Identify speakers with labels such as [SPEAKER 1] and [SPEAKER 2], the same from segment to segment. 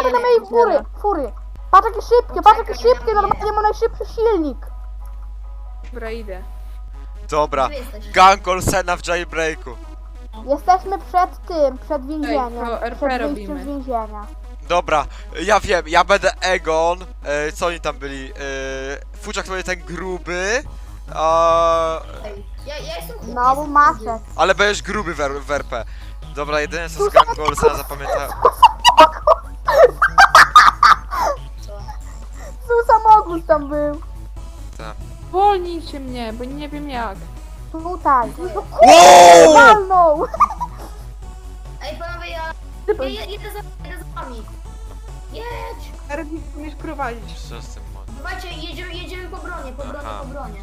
[SPEAKER 1] uważaj na mojej fury. Patrz jakie szybkie, patrz jakie szybkie, normalnie ma najszybszy silnik.
[SPEAKER 2] Dobra, idę.
[SPEAKER 3] Dobra, gang Olsena w jailbreaku.
[SPEAKER 1] Jesteśmy przed więzieniem.
[SPEAKER 2] to RP
[SPEAKER 1] Przed wyjściem
[SPEAKER 2] robimy.
[SPEAKER 1] z więzienia.
[SPEAKER 3] Dobra, ja wiem, ja będę Egon. Co oni tam byli? Fuczak to będzie ten gruby.
[SPEAKER 4] Ja jestem...
[SPEAKER 1] Znowu Maciek.
[SPEAKER 3] Ale będziesz gruby w RP. Dobra, jedyne co z gangu Olsena zapamiętałem.
[SPEAKER 1] Tu samochód tam był.
[SPEAKER 2] Wolnijcie mnie, bo nie wiem jak.
[SPEAKER 1] Tutaj.
[SPEAKER 3] Wow!
[SPEAKER 1] Walnął.
[SPEAKER 4] Ej, panowie, ja jedę za wami. Jedź!
[SPEAKER 2] Erwin, umiesz prowadzić.
[SPEAKER 3] Co z tym może?
[SPEAKER 4] Dawajcie, jedziemy po bronie, po bronie.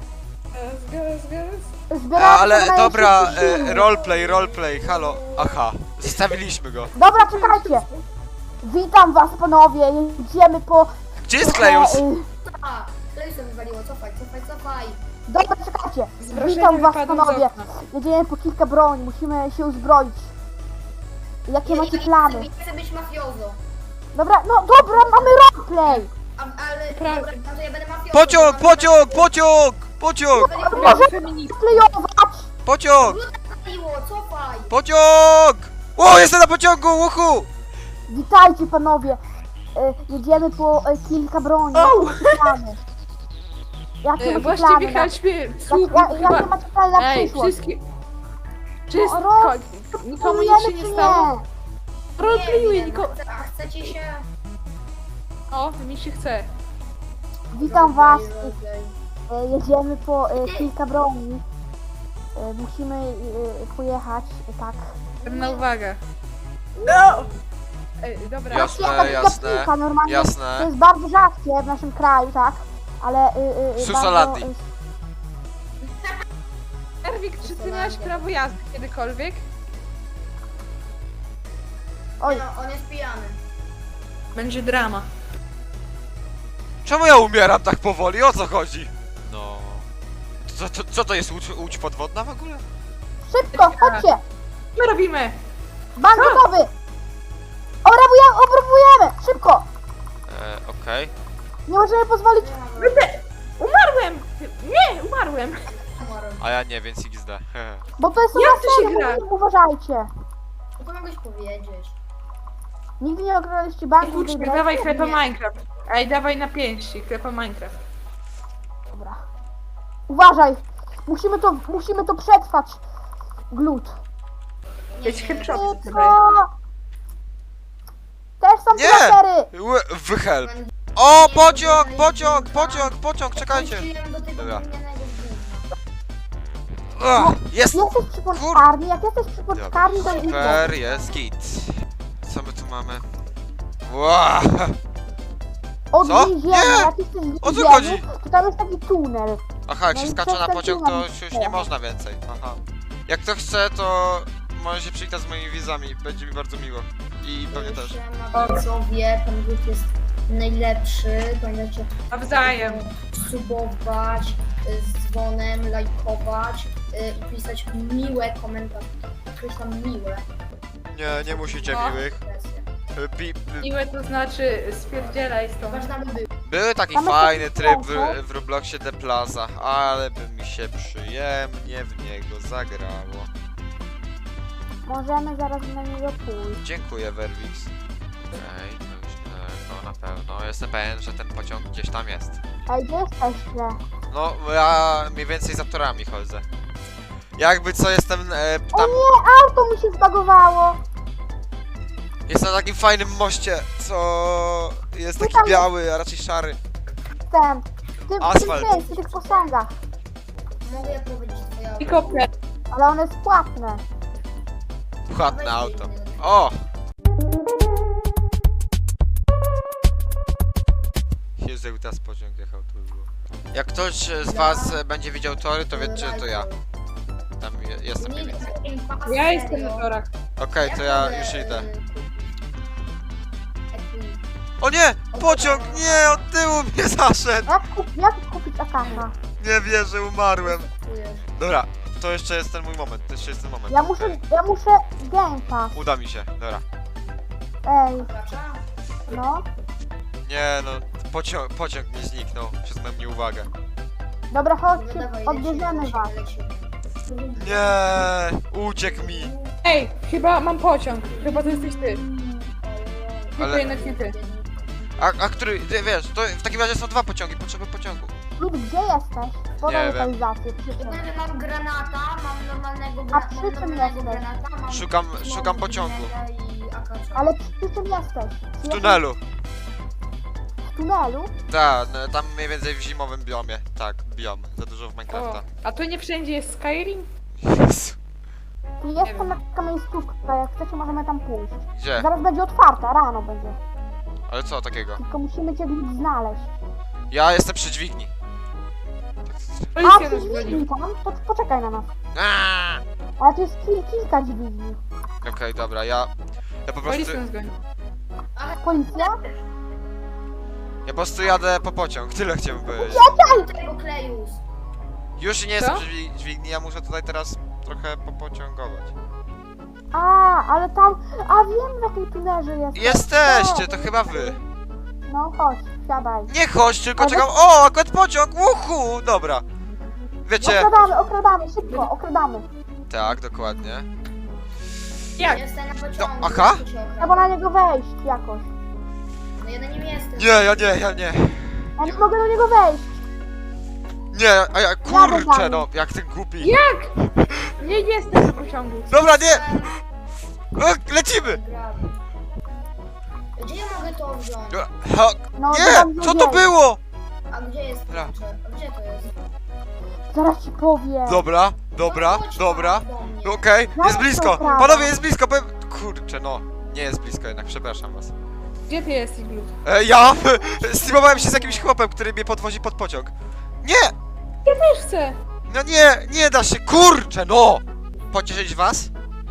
[SPEAKER 1] Zbieramy
[SPEAKER 3] Ale
[SPEAKER 1] najszybszy
[SPEAKER 3] dobra,
[SPEAKER 1] silnik.
[SPEAKER 3] roleplay, halo. Aha, zostawiliśmy go.
[SPEAKER 1] Dobra, czekajcie. Witam was panowie, jedziemy po...
[SPEAKER 3] Gdzie jest Klejus?
[SPEAKER 4] A, Klejusem wywaliło, cofaj.
[SPEAKER 1] Dobra, czekajcie.
[SPEAKER 2] Zgłoszenie
[SPEAKER 1] Witam was
[SPEAKER 2] wypadów z
[SPEAKER 1] panowie.
[SPEAKER 2] okna.
[SPEAKER 1] Jedziemy po kilka broni, musimy się uzbroić. Jakie macie plany?
[SPEAKER 4] Chcę być mafiozo.
[SPEAKER 1] Dobra, no dobra, mamy roleplay.
[SPEAKER 4] Ale,
[SPEAKER 2] Prawda.
[SPEAKER 4] dobra, no to ja będę mafiozo.
[SPEAKER 3] Pociąg!
[SPEAKER 1] Może
[SPEAKER 2] Feminist.
[SPEAKER 1] klejować.
[SPEAKER 4] Cofaj!
[SPEAKER 3] Pociąg! O, jestem na pociągu, uhu!
[SPEAKER 1] Witajcie panowie. Jedziemy po kilka broni. Plany. Jakie macie
[SPEAKER 2] Właściwie
[SPEAKER 1] plany?
[SPEAKER 2] chodźmy, słup,
[SPEAKER 1] Jakie
[SPEAKER 2] chyba...
[SPEAKER 1] macie plany na
[SPEAKER 2] Ej,
[SPEAKER 1] przyszłość?
[SPEAKER 2] wszystkie... Wszystko,
[SPEAKER 1] roz-
[SPEAKER 2] nikomu nic się
[SPEAKER 1] Plujemy
[SPEAKER 2] nie
[SPEAKER 1] czy
[SPEAKER 2] stało. Roleplayuję,
[SPEAKER 4] wiem,
[SPEAKER 2] nikomu...
[SPEAKER 4] a chcecie się...
[SPEAKER 2] O, mi się chce.
[SPEAKER 1] Witam was. Jedziemy po kilka broni. Musimy pojechać, tak.
[SPEAKER 2] Pewna uwaga. No! Ej, dobra.
[SPEAKER 3] Jasne,
[SPEAKER 1] Jaka
[SPEAKER 3] jasne,
[SPEAKER 1] piłka, normalnie. To
[SPEAKER 3] jasne.
[SPEAKER 1] jest bardzo rzadkie w naszym kraju, tak? Ale
[SPEAKER 3] Susolandii.
[SPEAKER 1] bardzo,
[SPEAKER 2] Erwik, czy ty miałeś prawo jazdy kiedykolwiek?
[SPEAKER 1] Oj,
[SPEAKER 4] No, on jest pijany.
[SPEAKER 2] Będzie drama.
[SPEAKER 3] Czemu ja umieram tak powoli? O co chodzi? No... Co to jest łódź podwodna w ogóle?
[SPEAKER 1] szybko, chodźcie!
[SPEAKER 2] My robimy!
[SPEAKER 1] Bank gotowy! Obrabujemy! Szybko!
[SPEAKER 3] Okej.
[SPEAKER 1] Nie możemy pozwolić...
[SPEAKER 2] Umarłem! Nie, umarłem!
[SPEAKER 3] A ja nie, więc XD.
[SPEAKER 1] Bo to jest
[SPEAKER 2] Jak to się
[SPEAKER 1] serio,
[SPEAKER 2] gra?
[SPEAKER 1] uważajcie.
[SPEAKER 4] No to mogłeś powiedzieć.
[SPEAKER 1] Nigdy nie ograliście banku.
[SPEAKER 2] Uczmy,
[SPEAKER 1] tej
[SPEAKER 2] dawaj
[SPEAKER 1] grać?
[SPEAKER 2] klepa Minecraft. Ej, dawaj na pięści, klepa Minecraft.
[SPEAKER 1] Dobra. Uważaj! Musimy to przetrwać. Glut.
[SPEAKER 2] Jest headshot.
[SPEAKER 1] Szybko! Też są
[SPEAKER 3] Nie!
[SPEAKER 1] kratery!
[SPEAKER 3] Wyhelp. O, pociąg, czekajcie.
[SPEAKER 4] Wróciłem do tego
[SPEAKER 3] Dobra.
[SPEAKER 4] gównianego gówna.
[SPEAKER 3] Jest!
[SPEAKER 1] Jesteś przy poczkarni, jak jesteś przy poczkarni, to idę.
[SPEAKER 3] Super, jest git. Co my tu mamy? Wow.
[SPEAKER 1] Od
[SPEAKER 3] Co?
[SPEAKER 1] więzienia,
[SPEAKER 3] Nie!
[SPEAKER 1] jak jesteś w
[SPEAKER 3] O co
[SPEAKER 1] więzieniu,
[SPEAKER 3] chodzi?
[SPEAKER 1] to tam jest taki tunel.
[SPEAKER 3] Aha, jak
[SPEAKER 1] No
[SPEAKER 3] się
[SPEAKER 1] i
[SPEAKER 3] skacze na
[SPEAKER 1] przez ten
[SPEAKER 3] pociąg, to
[SPEAKER 1] tunel
[SPEAKER 3] już nie można więcej. Aha. Jak to chce, to może się przywitać z moimi widzami. Będzie mi bardzo miło. I pewnie też.
[SPEAKER 4] Siema, widzowie, ten glut jest najlepszy. Pamiętajcie,
[SPEAKER 2] Nawzajem.
[SPEAKER 4] subować, z dzwonem, lajkować i pisać miłe komentarze. Coś tam miłe.
[SPEAKER 3] Nie musicie
[SPEAKER 2] No.
[SPEAKER 3] miłych.
[SPEAKER 2] Miłe to znaczy spierdzielaj stąd.
[SPEAKER 4] Ważna by był.
[SPEAKER 3] Był taki
[SPEAKER 1] Mamy
[SPEAKER 3] fajny
[SPEAKER 1] taki
[SPEAKER 3] tryb
[SPEAKER 1] sposób.
[SPEAKER 3] w Robloxie The Plaza, ale by mi się przyjemnie w niego zagrało.
[SPEAKER 1] Możemy zaraz na niego pójść.
[SPEAKER 3] Dziękuję, Verwix. Ej, to już niedaleko na pewno. Jestem pewien, że ten pociąg gdzieś tam jest.
[SPEAKER 1] Ej, gdzie jesteście?
[SPEAKER 3] No, ja mniej więcej za torami chodzę. Jakby co, jestem
[SPEAKER 1] O
[SPEAKER 3] tam...
[SPEAKER 1] nie, auto mi się zbagowało!
[SPEAKER 3] Jestem na takim fajnym moście, co jest taki
[SPEAKER 1] Tutaj.
[SPEAKER 3] biały, a raczej szary.
[SPEAKER 1] Ten,
[SPEAKER 3] Asfalt.
[SPEAKER 1] w tych posągach.
[SPEAKER 4] Mogę powiedzieć twoje auto.
[SPEAKER 2] Helikopter.
[SPEAKER 1] Ale one jest płatne.
[SPEAKER 3] Płatne auto. O! Jezu, jakby teraz pociąg jechał, to by było. Jak ktoś z was będzie widział tory, to wiecie, że to ja. Tam jestem mniej więcej.
[SPEAKER 2] Ja jestem na torach.
[SPEAKER 3] Okej, to ja już idę. O nie! Pociąg! Nie! Od tyłu mnie zaszedł!
[SPEAKER 1] Jak kupić Akasza?
[SPEAKER 3] Nie wierzę, umarłem. Dobra, to jeszcze jest ten mój moment, to jeszcze jest ten moment.
[SPEAKER 1] Ja muszę Game Pass.
[SPEAKER 3] Uda mi się, dobra.
[SPEAKER 1] Ej, No.
[SPEAKER 3] Nie no, pociąg mi zniknął przez moją nieuwagę.
[SPEAKER 1] Dobra,
[SPEAKER 4] No
[SPEAKER 1] chodźcie,
[SPEAKER 4] dawaj,
[SPEAKER 1] odbierzemy was.
[SPEAKER 4] lecimy.
[SPEAKER 3] Nie, uciekł mi.
[SPEAKER 2] Ej, chyba mam pociąg. Chyba to jesteś ty. Nie,
[SPEAKER 3] Ale-
[SPEAKER 2] to jednak nie ty.
[SPEAKER 3] A który, ty wiesz, to w takim razie są dwa pociągi, potrzeba pociągu.
[SPEAKER 1] Lub gdzie jesteś? Podaj
[SPEAKER 3] Nie wiem.
[SPEAKER 1] lokalizację, przy czym.
[SPEAKER 4] Ogólnie mam granata, mam normalnego,
[SPEAKER 1] A przy czym jesteś?
[SPEAKER 4] granata, mam
[SPEAKER 3] Szukam pociągu.
[SPEAKER 4] i AK-4.
[SPEAKER 1] Ale przy czym jesteś?
[SPEAKER 3] W tunelu.
[SPEAKER 1] W tunelu?
[SPEAKER 3] Tak, no, tam mniej więcej w zimowym biomie. Tak, biom. Za dużo w
[SPEAKER 2] O,
[SPEAKER 3] Minecrafta.
[SPEAKER 2] a tu nie wszędzie jest Skyrim?
[SPEAKER 3] Jezu.
[SPEAKER 1] Jest tam taka miejscówka, jak chcecie możemy tam pójść.
[SPEAKER 3] Gdzie?
[SPEAKER 1] Zaraz będzie otwarta, rano będzie.
[SPEAKER 3] Ale co takiego?
[SPEAKER 1] Tylko musimy cię gdzieś znaleźć.
[SPEAKER 3] Ja jestem przy dźwigni.
[SPEAKER 1] A,
[SPEAKER 2] Policja
[SPEAKER 1] ty
[SPEAKER 2] nas goni.
[SPEAKER 1] dźwigni tam? To poczekaj na nas.
[SPEAKER 3] Aaaa!
[SPEAKER 1] Ale tu jest kilka dźwigni.
[SPEAKER 3] Okej, dobra, ja po prostu...
[SPEAKER 2] Policja nas goni.
[SPEAKER 1] Policja?
[SPEAKER 3] Ja po prostu jadę po pociąg, tyle chciałem powiedzieć.
[SPEAKER 4] Tego Klejus.
[SPEAKER 3] Już nie
[SPEAKER 2] Co?
[SPEAKER 3] jestem przy dźwigni, ja muszę tutaj teraz trochę popociągować.
[SPEAKER 1] A, ale tam... A, wiem w jakiej tunelze jest.
[SPEAKER 3] Jesteście, to chyba wy.
[SPEAKER 1] No chodź, siadaj.
[SPEAKER 3] Nie chodź, tylko
[SPEAKER 1] Ale-
[SPEAKER 3] czekam. O, akurat pociąg! Uhu! Dobra. Wiecie.
[SPEAKER 1] Okradamy, szybko, okradamy.
[SPEAKER 3] Tak, dokładnie.
[SPEAKER 2] Jak?
[SPEAKER 4] Jestem na pociągu.
[SPEAKER 3] No, aha.
[SPEAKER 4] to cię okradam.
[SPEAKER 1] Trzeba na niego wejść jakoś.
[SPEAKER 4] No ja na nim jestem.
[SPEAKER 3] Nie, ja nie.
[SPEAKER 1] Ja nie mogę do niego wejść.
[SPEAKER 3] Nie, a ja kurczę, no, jak ten głupi.
[SPEAKER 2] Jak? Nie jestem na pociągu.
[SPEAKER 3] Dobra, nie! Lecimy!
[SPEAKER 4] Gram. Gdzie ja mogę to wziąć?
[SPEAKER 3] Dobra, ha,
[SPEAKER 1] No,
[SPEAKER 3] nie!
[SPEAKER 1] tam
[SPEAKER 3] Co to
[SPEAKER 1] wejść.
[SPEAKER 3] było?
[SPEAKER 4] A gdzie jest
[SPEAKER 3] Dobra.
[SPEAKER 4] klucze? A gdzie to jest?
[SPEAKER 1] Zaraz ci powiem.
[SPEAKER 3] Dobra,
[SPEAKER 4] No chodź
[SPEAKER 3] dobra.
[SPEAKER 4] tam do mnie.
[SPEAKER 3] Okej, jest
[SPEAKER 1] Zaraz
[SPEAKER 3] blisko.
[SPEAKER 1] to prawda.
[SPEAKER 3] Panowie, jest blisko, powiem... Kurczę, no. Nie jest blisko jednak, przepraszam was.
[SPEAKER 2] Gdzie ty jesteś, Glut?
[SPEAKER 3] Ja streamowałem się z jakimś chłopem, który mnie podwozi pod pociąg. Nie!
[SPEAKER 2] Też chcę.
[SPEAKER 3] No nie da się, kurczę, no! Pocieszyć was?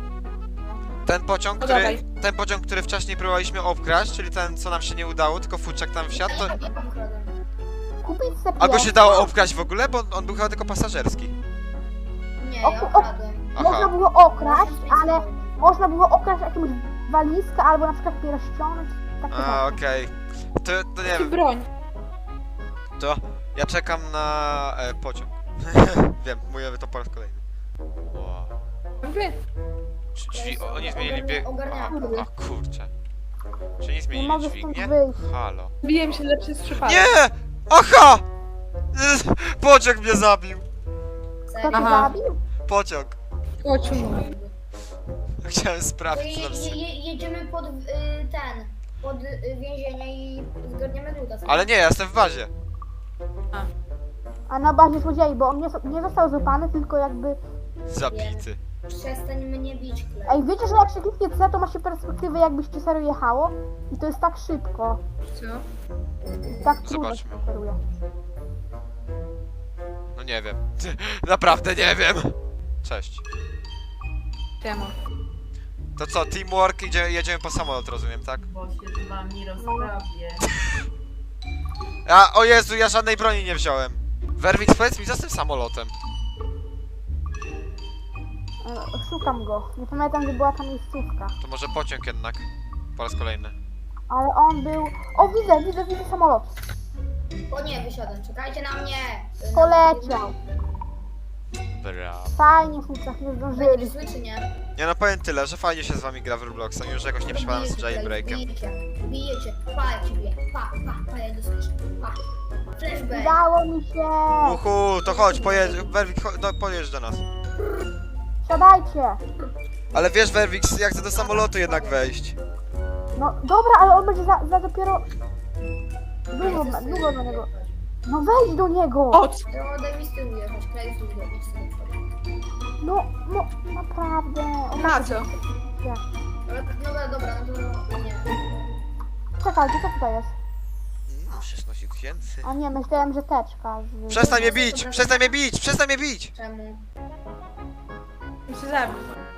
[SPEAKER 3] Ten pociąg,
[SPEAKER 2] No
[SPEAKER 3] który,
[SPEAKER 2] dawaj.
[SPEAKER 3] ten pociąg, który wcześniej próbowaliśmy obkraść, czyli ten, co nam się nie udało, tylko futrzak tam wsiadł, to...
[SPEAKER 4] Ja ukradam.
[SPEAKER 1] Kupić sobie
[SPEAKER 3] A go się dało obkraść w ogóle, bo on był chyba tylko pasażerski.
[SPEAKER 4] Nie, ja
[SPEAKER 1] O-
[SPEAKER 4] ukradłem.
[SPEAKER 1] Można
[SPEAKER 3] Aha.
[SPEAKER 1] było okraść, ale można było okraść jakąś walizkę albo na przykład pierścionek. Takie
[SPEAKER 3] A,
[SPEAKER 1] rzeczy.
[SPEAKER 3] okej. To nie
[SPEAKER 2] Czy
[SPEAKER 3] wiem,
[SPEAKER 2] broń?
[SPEAKER 3] to ja czekam na pociąg. Wiem, mówię to po raz kolejny. Wow.
[SPEAKER 2] Wy.
[SPEAKER 3] Drzwi, oni zmienili bieg...
[SPEAKER 4] Ogarniamy.
[SPEAKER 3] A kurczę. Czy nie
[SPEAKER 1] Nie
[SPEAKER 3] zmienili
[SPEAKER 1] mogę stąd
[SPEAKER 3] dźwignię?
[SPEAKER 1] wyjść.
[SPEAKER 3] Halo.
[SPEAKER 2] Biłem się lepszy z przypadek.
[SPEAKER 3] Nie! Aha! Pociąg mnie zabił.
[SPEAKER 1] Kto
[SPEAKER 4] Serio?
[SPEAKER 1] cię
[SPEAKER 2] Aha.
[SPEAKER 1] zabił?
[SPEAKER 3] Pociąg.
[SPEAKER 2] Kociu.
[SPEAKER 3] Chciałem
[SPEAKER 4] To
[SPEAKER 3] sprawdzić, co tam
[SPEAKER 4] jedziemy pod pod więzienie i zgarniemy gluta.
[SPEAKER 3] Ale nie, ja jestem w bazie.
[SPEAKER 1] A na bazie złodziei, bo on nie został złapany, tylko jakby...
[SPEAKER 3] Zabity.
[SPEAKER 4] Przestań mnie bić, Klej.
[SPEAKER 1] Ej, wiecie, że jak się kliknie C, to ma się perspektywę jakbyście serio jechało? I to jest tak szybko.
[SPEAKER 2] Co?
[SPEAKER 1] Tak trudno się
[SPEAKER 3] Zobaczmy.
[SPEAKER 1] steruje.
[SPEAKER 3] No nie wiem. Naprawdę nie wiem. Cześć.
[SPEAKER 2] Czemu?
[SPEAKER 3] To co, teamwork, jedziemy po samolot, rozumiem, tak?
[SPEAKER 5] Bo się z wami rozprawię.
[SPEAKER 3] O Jezu, ja żadnej broni nie wziąłem. Werwix, powiedz mi, co z tym samolotem?
[SPEAKER 1] Szukam go. Nie pamiętam, gdzie była ta miejscówka.
[SPEAKER 3] To może pociąg jednak. Po raz kolejny.
[SPEAKER 1] Ale on był... O, widzę samolot.
[SPEAKER 4] O nie, wysiadam, czekajcie na mnie!
[SPEAKER 1] Poleciał.
[SPEAKER 3] Brawo.
[SPEAKER 1] Fajnie, chłopcach, nie zdążyli.
[SPEAKER 4] Będzie zły czy nie?
[SPEAKER 3] Nie no, powiem tyle, że fajnie się z wami gra w Robloxa, już jakoś nie przypadam z
[SPEAKER 4] Bijecie,
[SPEAKER 3] jailbreakiem.
[SPEAKER 4] bijecie, pa jak ci biję, pa, ja doskoczę, pa. Flashback!
[SPEAKER 1] Udało mi się.
[SPEAKER 3] Uhu, to chodź, Werwix, pojedź do nas.
[SPEAKER 1] Siadajcie.
[SPEAKER 3] Ale wiesz, Werwix, ja chcę do samolotu jednak wejść.
[SPEAKER 1] No dobra, ale on będzie za dopiero... Długo do niego. No wejdź do niego.
[SPEAKER 2] O,
[SPEAKER 4] To daj mi z tyłu jechać, Klej z tyłu jechać.
[SPEAKER 1] No, naprawdę. On
[SPEAKER 2] na co?
[SPEAKER 4] Dobra, no to nie.
[SPEAKER 1] Czekajcie, co tutaj jest?
[SPEAKER 3] 16 tysięcy.
[SPEAKER 1] A nie, myślałem, że teczka.
[SPEAKER 3] Przestań mnie bić! Przestań mnie bić! Przestań mnie bić!
[SPEAKER 4] Czemu?
[SPEAKER 2] Muszę zabić.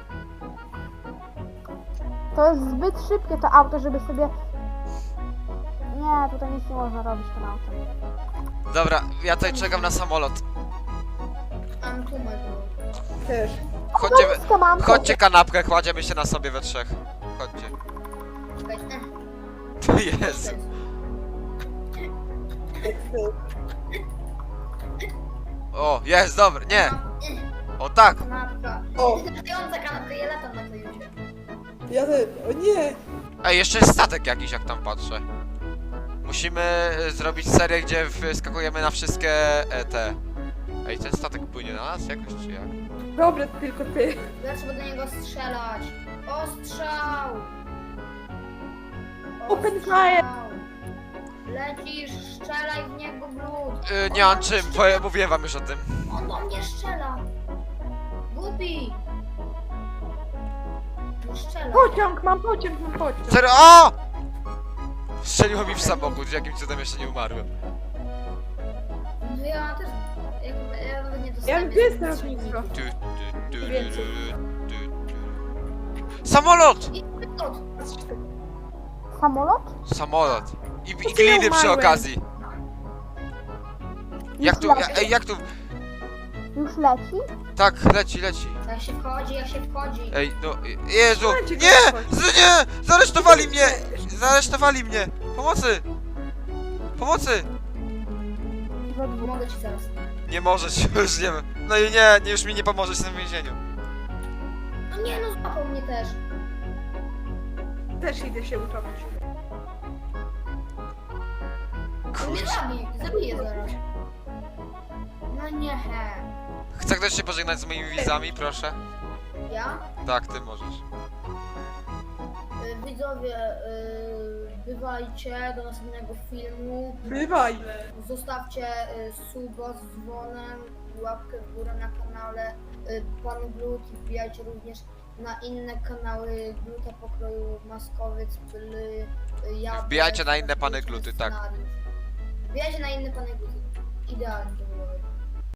[SPEAKER 1] To jest zbyt szybkie to auto, żeby sobie... Nie, tutaj nic nie można robić tym autem.
[SPEAKER 3] Dobra, ja tutaj czekam na samolot.
[SPEAKER 4] Mam tu
[SPEAKER 2] Też.
[SPEAKER 3] Chodźcie kanapkę, kładziemy się na sobie we trzech. Chodźcie.
[SPEAKER 4] Czekajcie.
[SPEAKER 3] Jezu. O, jest, dobry, nie! O tak!
[SPEAKER 4] Kanapka.
[SPEAKER 2] O.
[SPEAKER 4] Latająca kanapka, ja latam na tej już.
[SPEAKER 2] Ja też. O nie!
[SPEAKER 3] Ej, jeszcze jest statek jakiś, jak tam patrzę. Musimy zrobić serię, gdzie wskakujemy na wszystkie te... Ej, ten statek płynie na nas jakoś, czy jak?
[SPEAKER 2] Dobre, tylko ty.
[SPEAKER 4] Ja trzeba do niego strzelać. Ostrzał!
[SPEAKER 2] Open
[SPEAKER 4] Ostrzał!
[SPEAKER 2] fire!
[SPEAKER 4] Lecisz, strzelaj w niego glut.
[SPEAKER 3] Nie mam czym, bo ja mówiłem wam już o tym.
[SPEAKER 4] On do mnie strzela. Głupi. No strzela.
[SPEAKER 2] Pociąg, mam pociąg, mam pociąg.
[SPEAKER 3] Serio, o! Strzeliło mi w samochód, jakim cudem jeszcze nie umarłem.
[SPEAKER 4] No ja też... Ja nawet nie
[SPEAKER 2] Ja
[SPEAKER 4] dostałem.
[SPEAKER 2] gdzie jest lotnisko? Więcej.
[SPEAKER 3] Samolot!
[SPEAKER 4] I glut.
[SPEAKER 1] Samolot?
[SPEAKER 3] Samolot. I
[SPEAKER 2] ja
[SPEAKER 3] gliny przy
[SPEAKER 2] umarłem.
[SPEAKER 3] okazji. Jak tu, ej, jak tu...
[SPEAKER 1] Już leci?
[SPEAKER 3] Tak, leci.
[SPEAKER 4] Jak się wchodzi, jak się wchodzi.
[SPEAKER 3] Ej, no, Jezu!
[SPEAKER 2] Słuchajcie,
[SPEAKER 3] Nie!
[SPEAKER 2] gość.
[SPEAKER 3] Nie! Zaresztowali mnie! Zaresztowali mnie! Pomocy! Pomocy!
[SPEAKER 1] Za dwóch.
[SPEAKER 4] Pomogę ci zaraz.
[SPEAKER 3] Nie możesz, już nie wiem. No i nie, już mi nie pomożesz w tym więzieniu.
[SPEAKER 4] No nie, no złapał mnie też.
[SPEAKER 2] Też idę się utopić.
[SPEAKER 4] On mnie zabije zaraz. No nie.
[SPEAKER 3] Chce ktoś się pożegnać z moimi wizami, proszę?
[SPEAKER 4] Ja?
[SPEAKER 3] Tak, ty możesz.
[SPEAKER 4] Widzowie, bywajcie do następnego filmu.
[SPEAKER 2] Bywaj.
[SPEAKER 4] Zostawcie suba z dzwonem, łapkę w górę na kanale Pan Glut i wbijajcie również na inne kanały Gluta pokroju Maskowiec, Pyly, Jabłek.
[SPEAKER 3] Wbijajcie na inne Pany Gluty, tak.
[SPEAKER 4] Wbijajcie na inne Pany Gluty. Idealnie to było.